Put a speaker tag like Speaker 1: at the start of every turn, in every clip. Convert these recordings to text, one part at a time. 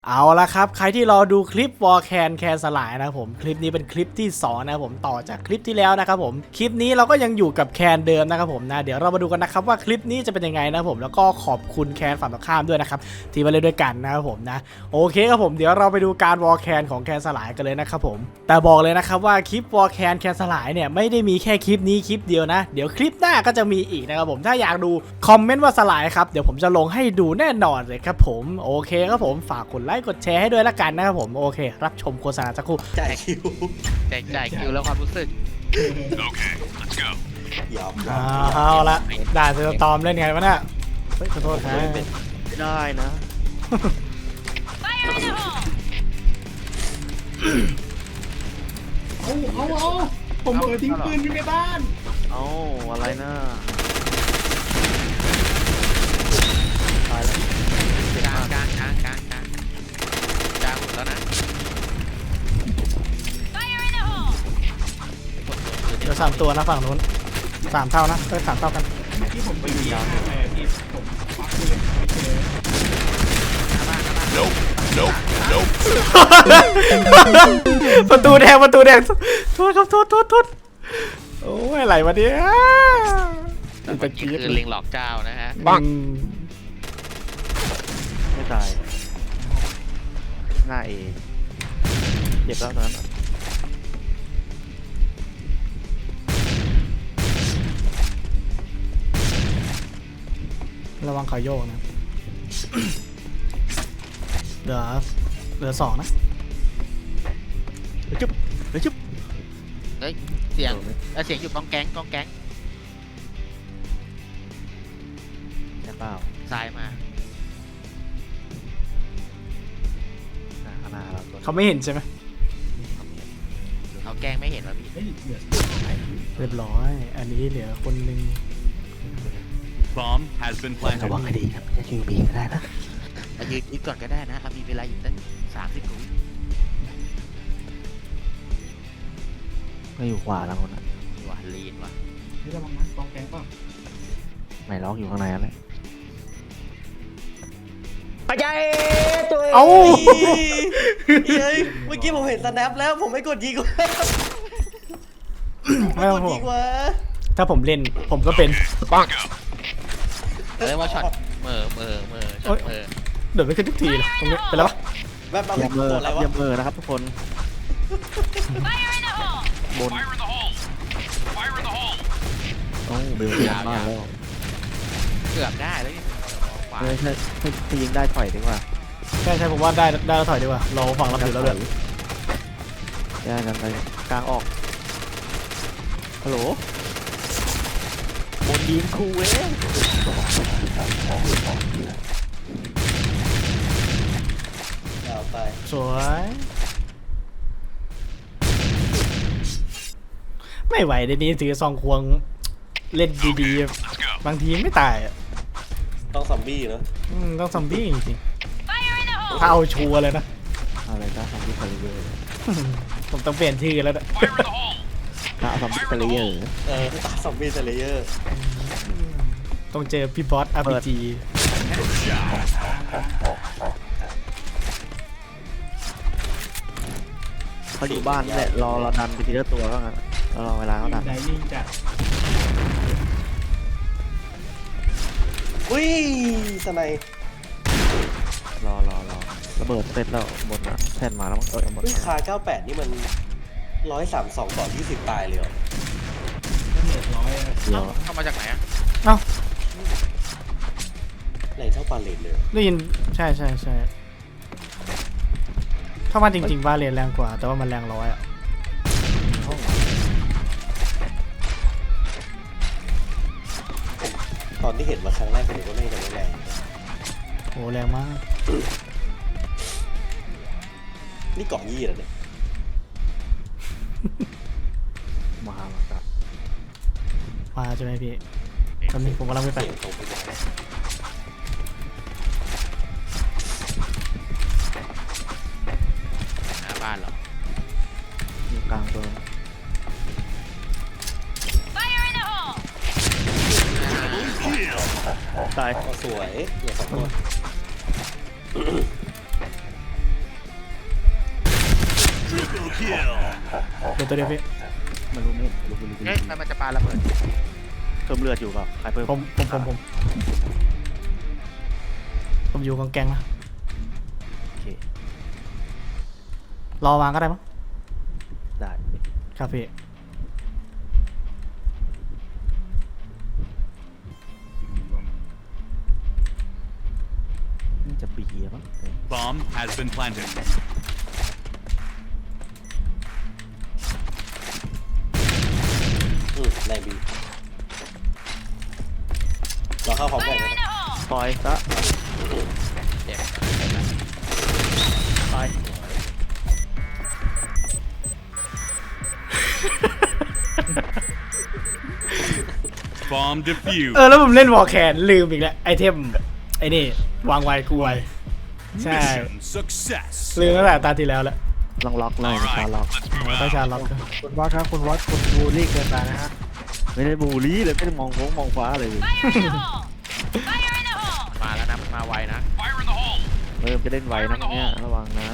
Speaker 1: เอาละครับใครที่รอดูคลิปวอลแคนสลายนะครับผมคลิปนี้เป็นคลิปที่2นะครับผมต่อจากคลิปที่แล้วนะครับผมคลิปนี้เราก็ยังอยู่กับแคนเดิมนะครับผมนะเดี๋ยวเรามาดูกันนะครับว่าคลิปนี้จะเป็นยังไงนะผมแล้วก็ขอบคุณแคนฝั่งตรงข้ามด้วยนะครับที่มาเล่นด้วยกันนะครับผมนะโอเคครับผมเดี๋ยวเราไปดูการวอลแคนของแคนสลายกันเลยนะครับผมแต่บอกเลยนะครับว่าคลิปวอลแคนสลายเนี่ยไม่ได้มีแค่คลิปนี้คลิปเดียวนะเดี๋ยวคลิปหน้าก็จะมีอีกนะครับผมถ้าอยากดูคอมเมนต์ว่าสลายครับเดี๋ยวผมจะลงให้ดูแน่นอนเลยครับผมโอเคครับผมฝากกดไลค์กดแชร์ให้ด้วยละกันนะครับผมโอเครับชมโฆษณาสักครู่
Speaker 2: จ่ายคิว
Speaker 3: จ่ายคิวแล้วความรู้สึก
Speaker 4: Okay, let's go.
Speaker 2: ยอม
Speaker 1: เอาละด่าเซอร์ตอมเล่นไงวะเนี่ยเฮ้ยขอโทษครับ
Speaker 2: ไม่ได้นะ
Speaker 5: เอาผมเปิดทิ้งปืนอยู่ในบ้าน
Speaker 2: เอาอะไรนะตายแล้ว
Speaker 3: กลางหมดแล้วนะ
Speaker 1: เดี๋ยว3 ตัวนะฝั่งนู้น3 เท่านะ3 เท่ากัน
Speaker 5: ที่ผมไปยิงไปที่ผมปักปืนไปเจอ
Speaker 4: Nope, nope, nope.
Speaker 1: ประตูแดงโทษครับโทษโอ้ยอะไรวะเนี่ย
Speaker 3: แต่เมื่อกี้คือลิงหลอกเจ้านะฮะ
Speaker 2: ไม่ตายหน้าเอเจ็บแล้วตอนนั้น
Speaker 1: ระวังเขาโยกนะเหลือ2นะ
Speaker 2: จุ๊บจุ๊บ
Speaker 3: เฮ้ยเสียงอยู่กองแก๊ง
Speaker 2: ใช่เปล่า
Speaker 3: ซ้ายมา
Speaker 2: ข้างหน้าเราตัว
Speaker 1: เขาไม่เห็นใช่ไหม
Speaker 3: เขาแกล้งไม่เห็นว่าพี่
Speaker 5: เฮ้ยเหลือ
Speaker 1: เรียบร้อยอันนี้เหลือคนหนึ่ง
Speaker 4: Bomb has been
Speaker 2: ระ
Speaker 4: planted.
Speaker 2: วังให้ดีครับจะยิงบีก็ได้นะ
Speaker 3: ยืนก่อนก็ได้นะมีเวลาอยู่ตั้ง30 วิ
Speaker 2: ไม่อยู่ขวาแล้วคนนั้น
Speaker 3: ว่ะลีนว่ะ
Speaker 5: นี่ระวังนะกองแกงป่ะ
Speaker 2: ไม่ล็อกอยู่ข้างในอะไร
Speaker 1: เอ้า
Speaker 6: เฮ้ยเมื่อกี้ผมเห็นสแนปแล้วผมไม่กดยิงวะ
Speaker 1: ไม่ต้อง
Speaker 6: กด
Speaker 1: ห่ว
Speaker 6: ยิ
Speaker 1: ง
Speaker 6: งวะ
Speaker 1: ถ้าผมเล่นผมก็เป็น
Speaker 3: เรียกว่าช็อตเมอช็อตเมอ
Speaker 1: เดี๋ยวไม่ขึ้นทุกทีเลยตรงนี้เป็นแล้วปะ
Speaker 6: แบบเอา
Speaker 2: เยี่ยมเบอร์
Speaker 6: อะไร
Speaker 2: ครับ
Speaker 6: วะ
Speaker 2: เยี่ยมเบอร์นะครับทุกคนบน
Speaker 4: Fire in the hole. Fire in the hole.
Speaker 2: โอ้เบลยาวมากแล้ว
Speaker 3: เกือบได้แล้วนี่ขวา
Speaker 2: เฮ้ยถ้ายิงได้ถอยดีกว่า
Speaker 1: ใช่ผมว่าได้แล้วถอยดีกว่าเราฝั่งรับอยู่แล้วเลย
Speaker 2: แย่กันไปกลางออกฮัลโหลบนยิงคูเว้ย
Speaker 6: เอาไป
Speaker 1: สวยไม่ไหวเดี๋ยวนี้ถือซองควงเล่นดี
Speaker 4: Let's go.
Speaker 1: ๆบางทีไม่ตายอ่ะ
Speaker 6: ต้องซอมบี้เนอะ
Speaker 1: ต้องซอมบี้จริงๆถ้าเอาชัวร์เลยนะ
Speaker 2: อะไรก็ทำที่คาริเบอร์
Speaker 1: ผมต้องเปลี่ยนชื่อแล้วนะ
Speaker 4: Fire in the hole.
Speaker 2: ถ้าทำที่คาริเบอร์
Speaker 6: ตาซอมบี้เซเลเยอร์
Speaker 1: ต้องเจอพี่บอส RPG
Speaker 2: เขาอยู่บ้านนี่แหละรอเราดันไปทีละตัวก็งั้นรอเวลาเขาดัน
Speaker 5: ไดนิ่งจัด
Speaker 6: อุ้ยสไนป์
Speaker 2: รอระเบิดเสร็จแล้วบนนะแท่นมาแล้วมั้งหมด
Speaker 6: อุ้ยคา98นี่มัน132ต่อ20ตายเลยเหรอ
Speaker 5: ก็เหลือร้อย
Speaker 2: เดียว
Speaker 3: เข้ามาจากไหนอะ
Speaker 6: ไหนเท่าปาเลนเลย
Speaker 1: ได้ยินใช่ถ้ามันจริงๆว่าเรียนแรงกว่า แต่ว่ามันแรง100อ่ะ
Speaker 6: ตอนที่เห็นมาครั้งแรกผมก็ไม่ได้แรง
Speaker 1: โหแรงมาก
Speaker 6: นี่เกาะยี่แล้วเนี่ย
Speaker 2: มาแล้วครับ
Speaker 1: มาใช่ไหมพี่ตอนนี้ผมกำลังไป
Speaker 6: เสียงตรงไปหมด
Speaker 3: หน้าบ้านเหรอ
Speaker 2: อยู่กลางตัวตาย
Speaker 6: สวยเหลือ2ตัว
Speaker 4: kill.
Speaker 1: เดี๋ยวตัวเดียวพี่
Speaker 2: ไม่รู้ไม่รู้
Speaker 3: เฮ้ยมันจะปาระเบิด
Speaker 2: เพิ่มเลือดอยู่เปล่าใครเพิ่ม
Speaker 1: ผมอยู่กองแกงนะ
Speaker 2: โอเค
Speaker 1: รอวางก็ได้มั้ง
Speaker 2: ได้
Speaker 1: ครับพี่
Speaker 2: น่าจะปีอะมั้ง
Speaker 4: Bomb has been planted.
Speaker 6: ในบีเราเข้าพร้อมกันเลยนะ
Speaker 2: ปล่อยซะ
Speaker 3: เจ็บ
Speaker 2: ไป
Speaker 4: Bomb defused.
Speaker 1: แล้วผมเล่นวอลแคนลืมอีกแล้วไอเทมไอนี่วางไวกูไวใช่
Speaker 4: Mission success.
Speaker 1: ลืมตั้งแต่ตาที่แล้วแล้ว
Speaker 2: ลองล็อกเลย
Speaker 4: All
Speaker 2: ชา
Speaker 4: right,
Speaker 2: ล็อก
Speaker 4: let's move
Speaker 1: ต้อง
Speaker 4: out.
Speaker 1: ชาร์ล็อก
Speaker 7: คุณวัดครับคุณวัดคุณบูลลี่เกินไปนะฮะ
Speaker 2: ไม่ได้บูลลี่เลยไม่ได้มองมองฟ้าเลย
Speaker 3: มาแล้วนะมันมาไวนะ
Speaker 4: Fire in the hole.
Speaker 2: เริ่มจะเล่นไวนะเนี่ยระวังนะ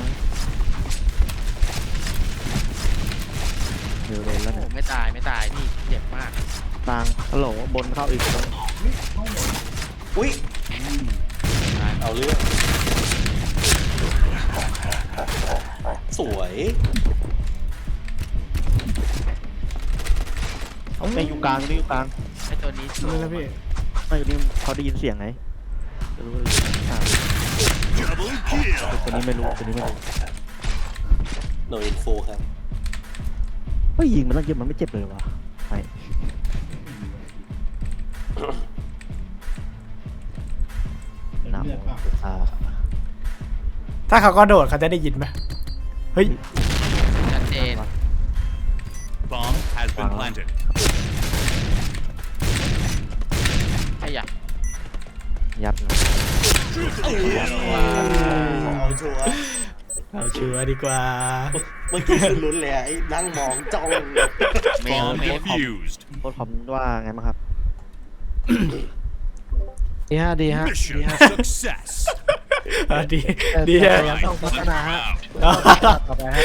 Speaker 2: เดี๋ยวโดนแล้ว
Speaker 3: โอ้
Speaker 2: เนี่ย
Speaker 3: ไม่ตายพี่เจ็บมาก
Speaker 2: กลางฮัลโหลบนเข้าอีกตรง
Speaker 6: อุ้ยเอาเรื่องสวย
Speaker 2: ไม่อยู่กลางนี่อยู่กลาง
Speaker 3: ไอตัวนี้
Speaker 1: นี่แล้วพี่
Speaker 2: ไม่อยู่นี่เขาได้ยินเสียงไงจะรู้เลยอ่า
Speaker 4: Double kill.
Speaker 2: ตัวนี้ไม่รู้ตัวนี้ไม่รู้
Speaker 6: โนอินโฟครับ
Speaker 2: เฮ้ยยิงมันต้องเยอะมันไม่เจ็บเลยวะไม่หนาวอ่า
Speaker 1: ถ้าเขาก็โดดเขาจะได้ยินไหมเฮ้ย
Speaker 3: ชัดเจน
Speaker 4: Bomb has been planted.
Speaker 3: ไอ้ยะ
Speaker 2: ยัดนะ
Speaker 6: เอาชัวร์
Speaker 1: เอาชัวร์ดีกว่า
Speaker 6: เมื่อกี้คือลุ้นเลยอะไอ้นั่งมองจ้อง
Speaker 4: Bomb defused.
Speaker 2: โค้ชคอมว่าไงบ้างครับ
Speaker 7: ดีฮะดีฮะ
Speaker 4: Mission
Speaker 7: ดีฮะ
Speaker 4: success.
Speaker 1: ดี
Speaker 7: แต่
Speaker 1: ดี
Speaker 7: แต่
Speaker 1: ฮะ
Speaker 7: ยังต้องพัฒ
Speaker 4: Let's
Speaker 7: นา
Speaker 4: move
Speaker 7: ฮะ
Speaker 4: out.
Speaker 7: ต่อไปฮะ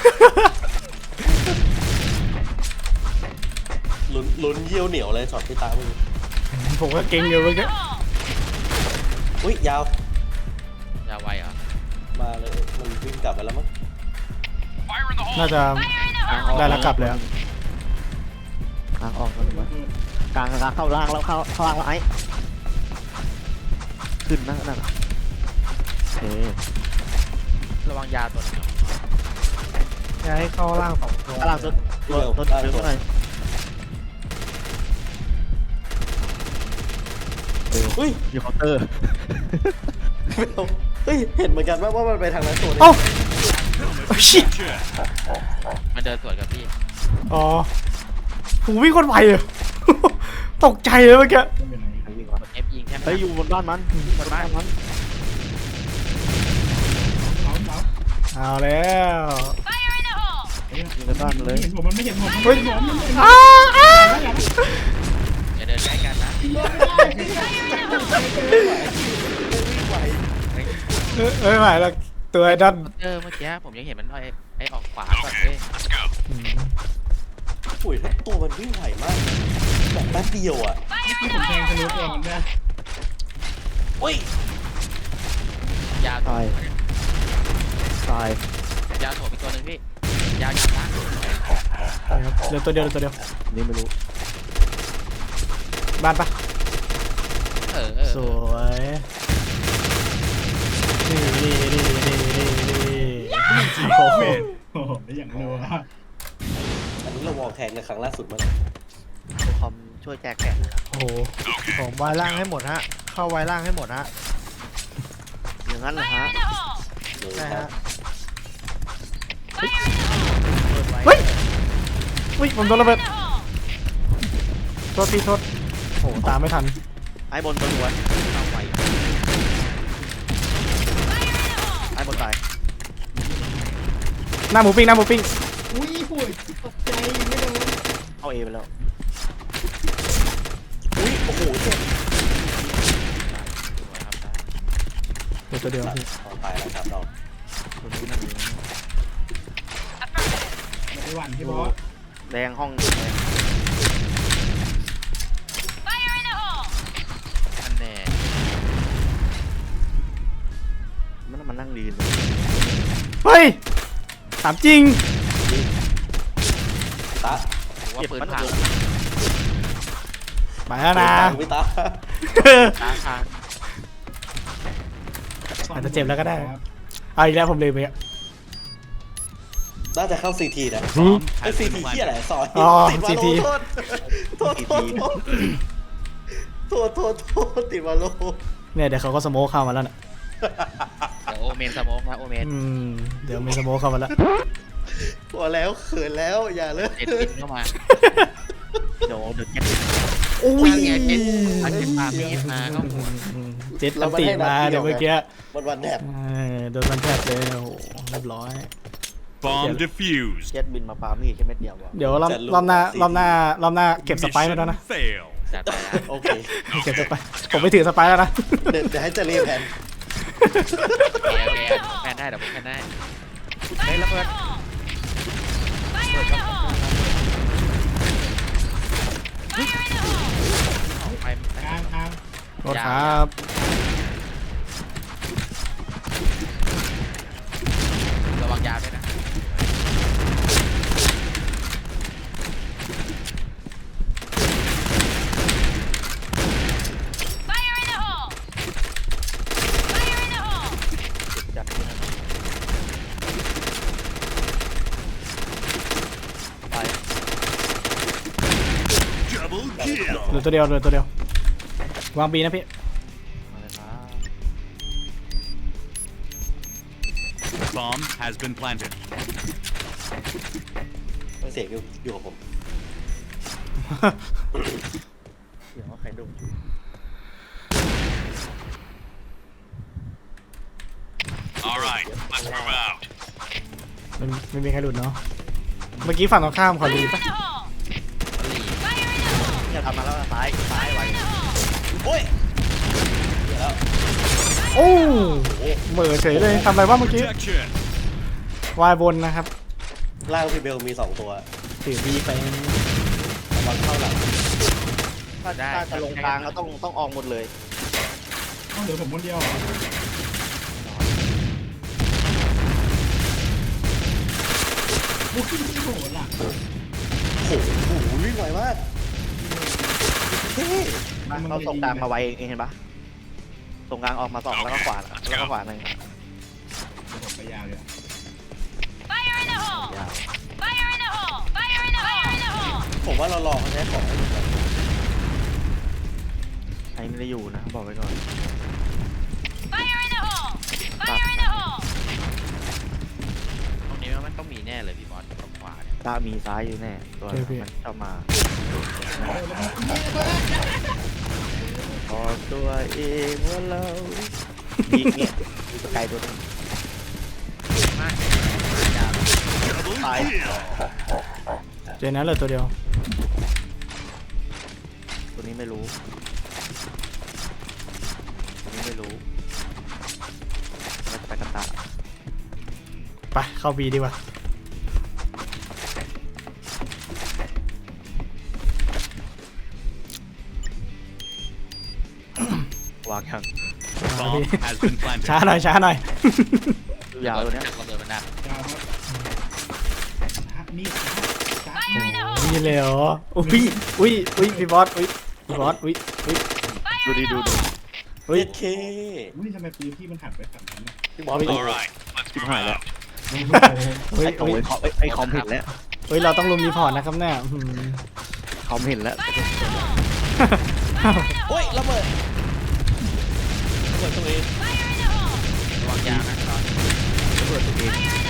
Speaker 6: ลุ้นเยี่ยวเหนียวเลยช็อตที่ตามึง
Speaker 1: ผมก็เก่งอยู่เมื่อกี้
Speaker 6: อุ้ยยาว
Speaker 3: ยาไวเหรอ
Speaker 6: มาเลยมันวิ่งกลับไปแล้วมั้ง
Speaker 4: Fire in the hole.
Speaker 1: น่าจะได้แล้วกลับเลยอะ
Speaker 2: กลางออกแล้วหรือวะกลางเข้าล่างแล้วเข้าล่างแล้วไอ้ขึ้นนะนั่นน่ะโอเค
Speaker 3: ระวังยาตัวนึง
Speaker 7: อย่าให้เข้าล่างสองตัว
Speaker 2: ข้างล่างสุดตัวเดินเท่าไหร่
Speaker 6: เฮ้ย
Speaker 2: อยู่เคาน์เตอร์
Speaker 6: ไม่เอาเฮ้ยเห็นเหมือนกันว่ามันไปทางนั้นตัวนี้
Speaker 1: เอ้าโอ้ชิต
Speaker 4: Check.
Speaker 3: มันเดินสวนกับพี่
Speaker 1: อ๋อผมวิ่งคนไวเลย ตกใจเลยเมื่อกี้
Speaker 2: ใครวิ่งวะ
Speaker 3: กด F ยิงแค่
Speaker 2: เฮ้ยอยู่บนบ้านมันบนบ้านมัน
Speaker 1: เอาแล้ว
Speaker 2: อยู่ในบ้านมันเลย
Speaker 5: เห็นผมมันไม่เห็นผม
Speaker 1: เฮ้ยอ้าอ้า
Speaker 3: อย่าเดินใกล้กันนะ
Speaker 1: เอ้ยไม่ไหวแล้วตัวไอ้ดัน
Speaker 3: เมื่อกี้ผมยังเห็นมันไอออกขวาก่อนเว้ย
Speaker 4: Let's go.
Speaker 6: อุ้ยถ้าตัวมันวิ่งไหวมากแบบแป๊บเดียวอ่ะ
Speaker 5: ที่ผมแทงทะลุเองมันได้
Speaker 6: อุ้ย
Speaker 3: ยาว
Speaker 2: ตายตาย
Speaker 3: ยาวโถมอีกตัวหนึ่งพี่ยาวนะ
Speaker 1: เหลือตัวเดียวเหลือตัวเดียว
Speaker 2: นี่ไม่รู้
Speaker 1: บ้านปะ สวยนี่โอ้โห
Speaker 5: โอ้โหได้อย่างรัว
Speaker 6: อันนี้เราวอลแข่งในครั้งล่าสุดมั้ง
Speaker 2: โค้ชคอมช่วยแจกแกะนะครับ
Speaker 1: โอ้โห
Speaker 7: ผมวายล่างให้หมดฮะ เข้าวายล่างให้หมดฮะ
Speaker 2: อย่างนั้นเหรอฮะ
Speaker 6: เลย
Speaker 7: ใช่
Speaker 6: ครั
Speaker 7: ฮะ
Speaker 6: บ
Speaker 1: เฮ้ยอุ้ยผมโดนระเบิดโทษพี่โทษโอ้โหตามไม่ทัน
Speaker 2: ไอ้บนตัวหัว
Speaker 3: เอาไว
Speaker 2: ไอ้บนตาย
Speaker 1: หน้าหมูปิ้งหน้าหมูปิ้ง
Speaker 5: อุ้ยป่วยตกใจไม่โดน
Speaker 2: เข้าเอไปแล้ว
Speaker 6: อุ้ยโอ้โหเจ็บ
Speaker 1: เหลือตัวเดียวพี่
Speaker 6: ตายแล้วครับเรา
Speaker 2: ตัวนี้นั่นเอง
Speaker 5: หวันพี่บอส
Speaker 2: แดงห้องแดง
Speaker 3: อันแน่
Speaker 2: มันนั่งดีเลย
Speaker 1: เฮ้ยถามจริง
Speaker 6: ตา
Speaker 3: ผมว่าปืนพัง
Speaker 1: ไปแล้วนะ
Speaker 6: พี่ตา
Speaker 3: ตาพัง
Speaker 1: อาจจะเจ็บแล้วก็ได้ เอาอีกแล้วผมลืมไปอะ
Speaker 6: น่าจะเข้าซีทีนะ
Speaker 4: Bomb
Speaker 6: ไอ้
Speaker 4: has
Speaker 6: ซี
Speaker 4: been
Speaker 6: ทีที่อะไร
Speaker 4: planted.
Speaker 6: สอน
Speaker 1: อ๋อ
Speaker 6: ติดมาโล
Speaker 1: CT
Speaker 6: โทษติดมาโล
Speaker 1: เนี่ยเดี๋ยวเขาก็สโมคเข้ามาแล้วน่ะ
Speaker 3: เดี๋ยวโอเมนสโมกนะโอเมน
Speaker 1: เดี๋ยวมีสโมคเข้ามาแล้ว
Speaker 6: พอแล้วเขินแล้วอย่าเลย
Speaker 3: เจ็ดบินเข้ามา
Speaker 2: เดี๋ยวเดือดแก๊ส
Speaker 1: อุ้ย
Speaker 3: ไงเจ็ดอันเจ็ดปามีดมาก็หมุน
Speaker 1: เจ็ดตันติมาเดี๋ยวเมื่อกี้
Speaker 6: วันแถบ
Speaker 1: โดนมันแทบเลยโอ้โหเรียบร้อย
Speaker 4: Bomb defused.
Speaker 2: แก๊สบินมาปามีดแค่เม็ดเดียววะ
Speaker 1: เดี๋ยวรอบหน้าเก็บสไปร์มาแล้วนะ
Speaker 4: fail.
Speaker 3: จัดไปแล้ว
Speaker 6: โอเค
Speaker 1: เก็บสไปร์ผมไม่ถือสไปร์แล้วนะ
Speaker 6: เดี๋ยวให้เจรีแผน
Speaker 3: โอเคแพนได้เดี๋ยวผมแพนได้เฮ้ยระเบิดไป
Speaker 5: กลาง
Speaker 1: โทษครับ
Speaker 3: ระวังยาวด้วยนะ
Speaker 2: จัด
Speaker 4: Double kill.
Speaker 1: เหลือตัวเดียววางบีนะพี่
Speaker 2: มาเลยครับ
Speaker 4: Bomb has been planted.
Speaker 6: เสียงอยู่กับผม
Speaker 2: เดี๋ยวว่าใครดุ
Speaker 4: All right, let's move out.
Speaker 1: ไม่มีใครหลุดเนาะเมื่อกี้ฝั่งตรงข้ามขอรีปะ
Speaker 2: เนี่ยทำมาแล้วซ้ายไว้
Speaker 6: โอ้ยเดี๋ยวแล้ว
Speaker 1: โอ้เหม่อเฉยเลยทำอะไรวะเมื่อกี้
Speaker 4: Protection.
Speaker 1: วายบนนะครับ
Speaker 6: ล่างพี่เบลมี2ตัว
Speaker 1: ถือบีไป
Speaker 6: ระวังเข้าหลัง
Speaker 2: ถ้าจะลงกลางก็ต้องออกหมดเลย
Speaker 5: ต้องเหลือผมคนเดียวเหรอโอ้โหโหดอ่ะ
Speaker 6: โอ้โหวิ่งไวมากเท่
Speaker 2: เขาส่งกลางมาไวเองเห็นปะส่งกลางออกมา2แล้วก็ขวาแล้วก็ขวาหนึ่ง
Speaker 5: ผมไปยาวเลย
Speaker 2: ยาว
Speaker 6: ผมว่าเราลองเขาใช้ของให้ดูก่อน
Speaker 2: ไอ้ไม่ได้อยู่นะบอกไว้ก่อน
Speaker 3: ตรงนี้มันต้องมีแน่เลยพี่บอสตรงขวาเนี่ย
Speaker 2: ตามีซ้ายอยู่แน่ตัวมันเข้ามาพอตัวเองว่าเรายิงเนี่ยไกลตัวนึง
Speaker 3: มากยาว
Speaker 4: Double
Speaker 2: Bye.
Speaker 4: kill.
Speaker 1: เจอนั้นเหลือตัวเดียว
Speaker 2: ตัวนี้ไม่รู้น่าจะไปกันตา
Speaker 1: ไปเข้าบีดีกว่า
Speaker 2: วางยัง
Speaker 4: Bomb has been planted.
Speaker 1: ช้าหน่อย
Speaker 2: ยาวตัวเนี้ย
Speaker 3: ระเบิดมันดัก
Speaker 5: ยาวครับนี่จ้า
Speaker 1: นี่เลยเหรออุ้ยพี่บอสอุ้ย
Speaker 2: ดูดิ
Speaker 1: อุ้ย
Speaker 6: เค
Speaker 5: อุ้ยทำไมปืนพี่มันหันไปฝั่งนั้นน่ะ
Speaker 6: พี่บอล
Speaker 4: All right, let's move out.
Speaker 1: เฮ้ย
Speaker 2: ไอ้คอมเห็นแล้ว
Speaker 1: เฮ้ยเราต้องลุมรีพอร์ตนะครับเนี่ยอืม
Speaker 2: คอมเห็นแล้ว
Speaker 6: โอ้ยระเบิดตัวเอง
Speaker 3: ระวังยาวนะตอน
Speaker 2: ระเบิดตัวเอง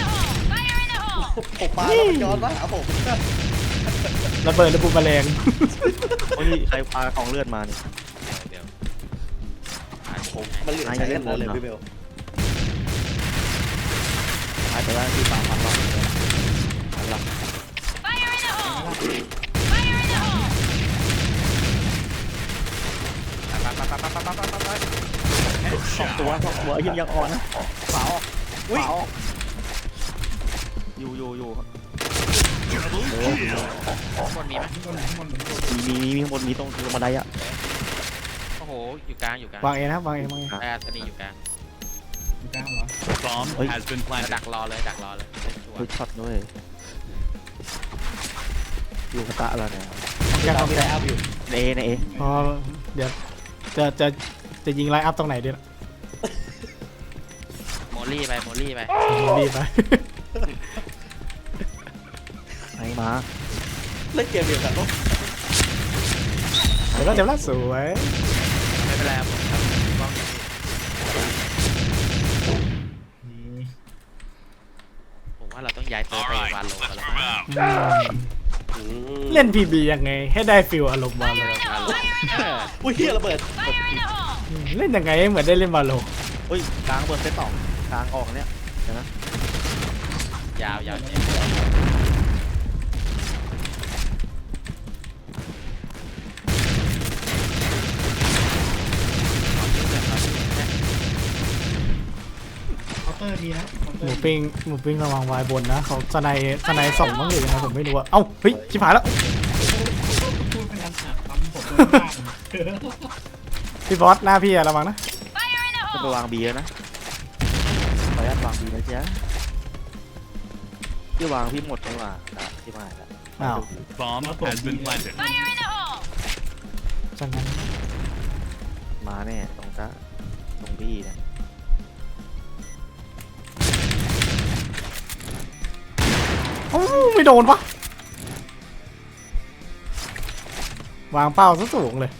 Speaker 6: ผมปาแล้วมันย้อนมาหาผม
Speaker 1: ระเบิดระบุแมลง
Speaker 2: โอ้ยใครพาของเลือดมานี่
Speaker 3: เดี๋ยว
Speaker 6: มันเหลือใช้กันหมดเลยพี่เบล
Speaker 2: อาจจะว่าที่3,000 รอบแล้ว2 ตัวยังอ่อนนะขวาออกอยู่
Speaker 4: Double kill.
Speaker 3: บนมีไหม
Speaker 5: ข้างบนไหนข้างบนไหนข้างบน
Speaker 2: มีข้างบนมีตรงบันไดอะ
Speaker 3: โอ้โหอยู่กลางอยู่กลาง
Speaker 1: วางเองนะครับวางเองวางเอง
Speaker 3: ไอ้อัศนีอยู่กลาง
Speaker 5: อยู่กลางเหรอ
Speaker 4: Bomb
Speaker 2: Oi.
Speaker 4: has been
Speaker 3: ดั
Speaker 4: planted.
Speaker 3: กรอเลยดักรอเลยเล่นชัว
Speaker 2: เฮ้ย
Speaker 3: ร์
Speaker 2: ช็อตด้วยอยู่กระตะแล้วเนี่ย
Speaker 1: แก
Speaker 6: ตา
Speaker 1: ต้
Speaker 6: ม
Speaker 1: อง
Speaker 6: ที่
Speaker 1: แก
Speaker 6: ไลน์อัพอยู่
Speaker 2: ในเอในเอ
Speaker 1: อ๋อเดี๋ยวจะยิงไลน์อัพตรงไหนดีล่ะ
Speaker 3: โมลี่ไปโมลี่ไป
Speaker 1: รีบไป
Speaker 2: ไหนมา
Speaker 6: เล่นเกมเดียวกันปะ
Speaker 1: เดี๋ยวก็เจ็บละสวย
Speaker 3: ไม่เป็นไรครับผมครับกล้อง
Speaker 5: นี่
Speaker 3: ผมว่าเราต้องย้ายเติร์
Speaker 4: All
Speaker 3: ไป
Speaker 4: right,
Speaker 3: วานโล
Speaker 4: let's
Speaker 3: กันแล้ว
Speaker 4: move out.
Speaker 1: เล่น PB ยังไงให้ได้ฟิลอารมณ์วาโล
Speaker 3: วานโล
Speaker 6: อุ้ยเฮียระเบิด
Speaker 1: เล่นยังไงให้เหมือนได้เล่นวาโล
Speaker 2: เฮ้ยกลางเปิดเซตสองกลางออกเนี่ยเดี๋ยวนะ
Speaker 3: ยาวยาว
Speaker 5: เคาน์เตอร์มีนะเคาน์เต
Speaker 1: ห
Speaker 5: อ
Speaker 1: มู
Speaker 5: ร์
Speaker 1: ปิ้งระวังวายบนนะเขาสไนส่องบ้างหรือยังไงผมไม่รู้อะเอ้าเฮ้ยชิบหายแล้ว
Speaker 5: พูดพยันหาปั๊มผมโดนบ้าง
Speaker 1: พี่บอสหน้าพี่อะระวังนะ
Speaker 2: จะไปวางบีแล้วนะขออนุญาตวางบีนะจ๊ะที่วางพี่หมดไม่ว่าที่มาแล้ว
Speaker 1: อ้าว
Speaker 4: Bomb has been planted.
Speaker 1: จังนั้น
Speaker 2: มาแน่ตรงจ้าตรงบี้เนี่ย
Speaker 1: โอ้ไม่โดนปะวางเป้าซะสูงเลย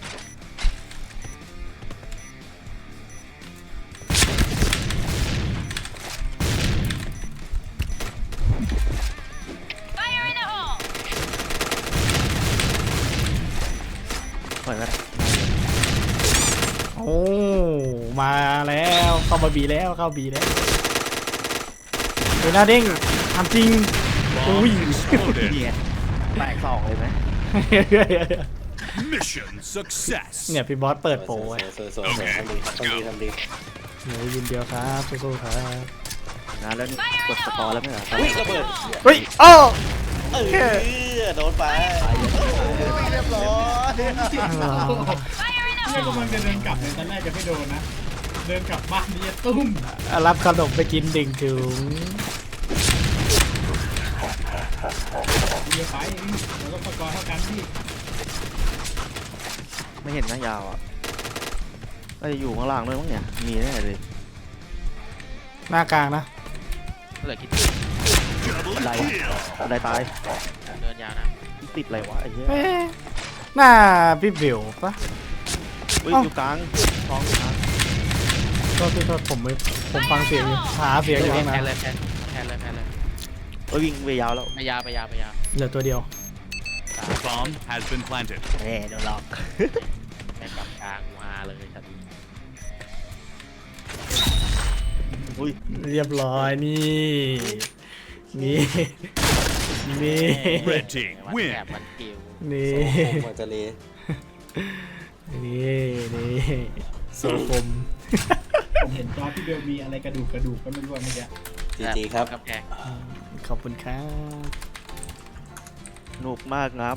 Speaker 2: ปล่อยก็ได้
Speaker 1: โอ้มาแล้วเข้ามาบีแล้วเข้าบีแล้วเฮ้ยหน้าเด้งทำจริง
Speaker 4: Bomb
Speaker 1: Ui.
Speaker 4: exploded.
Speaker 2: นี่ไงแตกสองเลยไหม
Speaker 4: Mission success.
Speaker 1: เนี่ยพี่บอสเปิดโปรไว้
Speaker 6: สวยทำดีทำดี
Speaker 1: หนูยินเดียวครับสู้ๆครับ
Speaker 2: นะแล้วนี่กดสกอร์แล้วไม่เหรอ
Speaker 6: อุ้ยระเบิด
Speaker 1: เฮ้ยโอ้
Speaker 6: โดนไปเรียบร้อย
Speaker 5: ไม่กำลังจะเดินกลับเลยตอนแรกจะไม่โดนนะ เดินกลับบ้านนี่จะตุ้ม
Speaker 1: รับขนมไปกินดิ่งถึง
Speaker 5: เดียวไปเราต้องประกอบเท่ากันพี่
Speaker 2: ไม่เห็นนะยาวอ่ะก็จะอยู่ข้างล่างด้วยมั้งเนี่ยมีแน่เลย
Speaker 1: หน้ากลางนะ
Speaker 3: เหลือคิด
Speaker 4: Double
Speaker 2: Lại.
Speaker 4: kill.
Speaker 2: บันไดตาย
Speaker 3: เดินยาวนะ
Speaker 2: ติดอะไรวะไอ้เหี้ย
Speaker 1: เอ๊ะหน้าพี่บิวปะ
Speaker 2: อุ้ย
Speaker 1: เอ้า
Speaker 2: อยู่กลางท้องอยู่กลาง
Speaker 1: โทษผมฟังเสียงอยู่หาเสียงอยู่ข้างใน
Speaker 3: แพ้เลยแพ้เลยแพ้เลย
Speaker 2: เอ้ยวิ่งไปยาวแล้ว
Speaker 3: ไปยาวไปยาวไปยาว
Speaker 1: เหลือตัวเดียว
Speaker 4: Bomb has been planted.
Speaker 2: แหมเดี๋ยวหลอก
Speaker 3: แพ้กลับกลางมาเลยชัด
Speaker 2: อุ้ย
Speaker 1: เรียบร้อยนี่นี่นี่
Speaker 4: Red team
Speaker 3: วัน
Speaker 4: win.
Speaker 3: แอบวันกิว
Speaker 1: นี่
Speaker 6: มันจะเล
Speaker 1: นี่โซฟม
Speaker 5: ผมเห็นจอพี่เบลมีอะไรกระดูกก็ไม่รู้เมื่อกี้
Speaker 6: จีครับ
Speaker 3: กำแพง
Speaker 1: ขอบคุณครับ
Speaker 2: สนุกมากครับ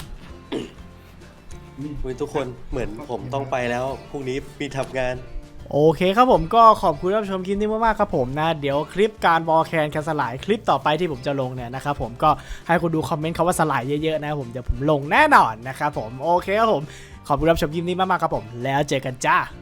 Speaker 6: ทุกคนเหมือนผมต้องไปแล้วพรุ่งนี้มีทำงาน
Speaker 1: โอเคครับผมก็ขอบคุณรับชมคลิปนี้มากๆครับผมนะเดี๋ยวคลิปการบอลแคนสลายคลิปต่อไปที่ผมจะลงเนี่ยนะครับผมก็ให้คุณดูคอมเมนต์คำว่าสลายเยอะๆนะครับผมเดี๋ยวผมลงแน่นอนนะครับผมโอเคครับผมขอบคุณรับชมคลิปนี้มากๆครับผมแล้วเจอกันจ้า